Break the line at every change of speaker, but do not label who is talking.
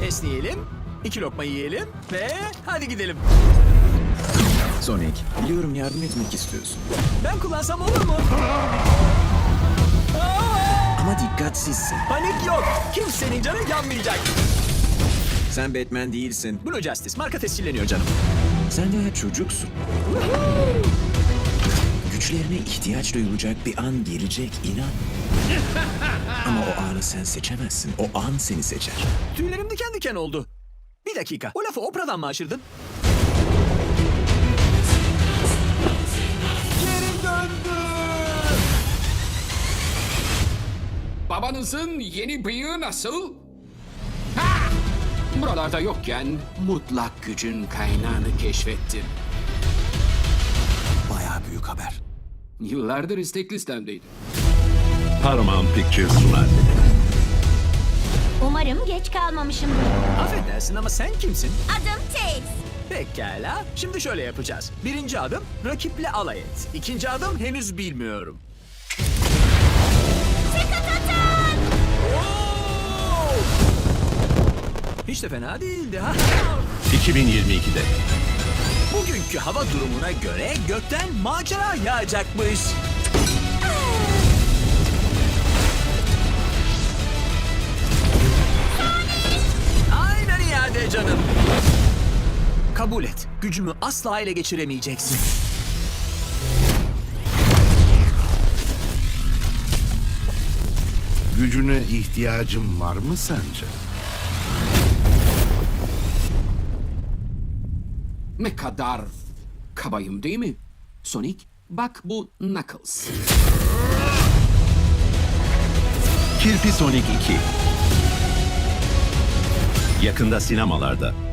Esneyelim, 2 lokma yiyelim ve hadi gidelim.
Sonic, biliyorum yardım etmek istiyorsun.
Ben kullansam olur mu?
Ama dikkatsizsin.
Panik yok. Kimsenin canı yanmayacak.
Sen Batman değilsin.
Blue Justice marka tescilleniyor canım.
Sen daha çocuksun. Güçlerine ihtiyaç duyulacak bir an gelecek, inan. Ama o anı sen seçemezsin. O an seni seçer.
Tüylerim diken diken oldu. Bir dakika. O lafı Oprah'dan mı aşırdın? Geri döndü.
Babanızın yeni bıyığı nasıl? Ha! Buralarda yokken mutlak gücün kaynağını keşfettim.
Bayağı büyük haber.
Yıllardır istek listemdeydi.
Paramount Pictures sunar.
Umarım geç kalmamışımdır.
Affedersin ama sen kimsin?
Adım Tails.
Pekala. Şimdi şöyle yapacağız. Birinci adım rakiple alay et. İkinci adım henüz bilmiyorum. Oo! Hiç de fena değildi ha.
2022'de
Bugünkü hava durumuna göre gökten macera yağacakmış. Aynen iade canım. Kabul et. Gücümü asla ele geçiremeyeceksin.
Gücüne ihtiyacım var mı sence?
Ne kadar kabayım değil mi? Sonic, bak bu Knuckles.
Kirpi Sonic 2. Yakında sinemalarda.